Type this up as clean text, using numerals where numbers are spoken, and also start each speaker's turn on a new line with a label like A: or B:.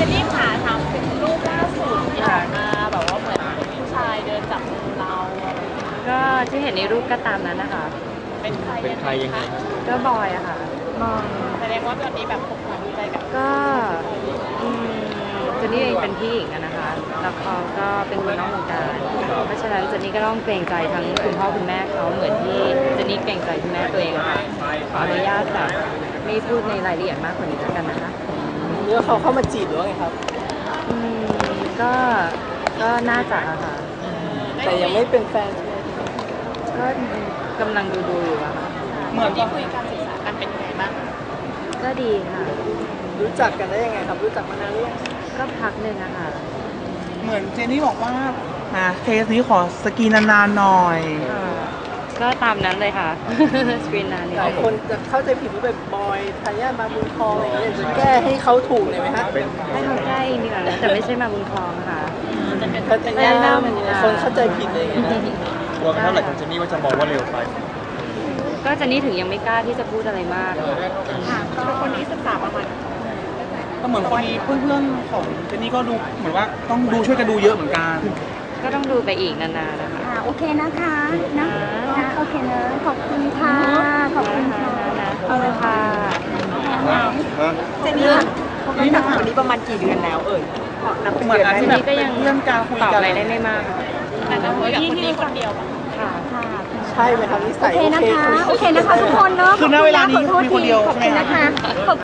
A: นนี่ขาทำเป็นรูปล่าสุดที่ออกมาแบบว่าเหมือนผู้ชายเดินจับมือเรา
B: ก็ที่เห็นในรูปก็ตามนั้นนะคะ
A: เป็นใคร
C: ยังไง
B: ก็บอยอะค่ะ
A: แสดงว่าตอนนี้แบบผมดูใจกับ
B: ก็เจนนี่เองเป็นพี่หญิงอะนะคะแล้วเขาก็เป็นคนนอกวงการเพราะฉะนั้นเจนนี่ก็ต้องเกรงใจทั้งคุณพ่อคุณแม่เขาเหมือนที่เจนนี่เกรงใจคุณแม่ตัวเองอะค่ะขออนุญาตแบบไม่พูดในรายละเอียดมากกว่านี้แล้วกันนะคะ
D: เนื้อเขาเข้ามาจีบหรือว่าไงครับ
B: ก็น่าจะค่ะ
D: แต่ยังไม่เป็นแฟนใช่ไหม
B: ก็กำลังดูอยู่อะค่ะ
A: เหมือนที่คุยการศึกษากันเป็นยังไงบ้าง
B: ก็ดีค่ะ
D: รู้จักกันได้ยังไงครับรู้จักมานานหรือยัง
B: ก็พักหนึ่งอะค่ะ
E: เหมือนเจนนี่บอกว่าเคสนี้ขอสกรีนนานๆหน่อย
B: ก็ตามนั้นเลยค่ะสกรีนนาน
D: หลายคนจะเข้าใจผิดว่าแบบบอยทายาทมาบุญครองอะไรอย่างเงี้ยจะแก้ให้เขาถูกเลยไหมฮะ
B: ให้เขาแก้เองดีกว่านะแต่ไม่ใช่มาบุญครองค่ะ
D: เขาจะแก้คนเข้าใจผิดเลยนะ
C: กลัวกันเท่าไหร่ของเจนนี่ว่าจะมองว่าเร็วไป
B: ก็เจนนี่ถึงยังไม่กล้าที่จะพูดอะไรมาก
A: ค่ะคนนี้ศึกษาประมาณ
E: ก็เหมือนคนนี้เพื่อนๆของเจนนี่ก็ดูเหมือนว่าต้องดูช่วยกันดูเยอะเหมือนกัน
B: ก็ต้องดูไปอีกนานๆนะคะ
F: โอเคนะคะนะโอเคนะขอบคุณค่ะขอบคุณค่ะ
B: ขอบคุณค่ะ
A: เจนนี่นี่นับวันนี้ประมาณกี่เดือนแล้ว
E: เหมือนที่แบบเป็นเรื่องการคุยกัน
B: อะไรได้ไม่มาก
A: แต่ก็คุยกับคนนี้คนเดียว
B: ค่ะ
D: ใช่ไหมครับนิสัย
F: โอเคนะคะทุกคนเนาะ
E: คือณเวลานี้คุยคนเดียวใช่ไหม
F: คะ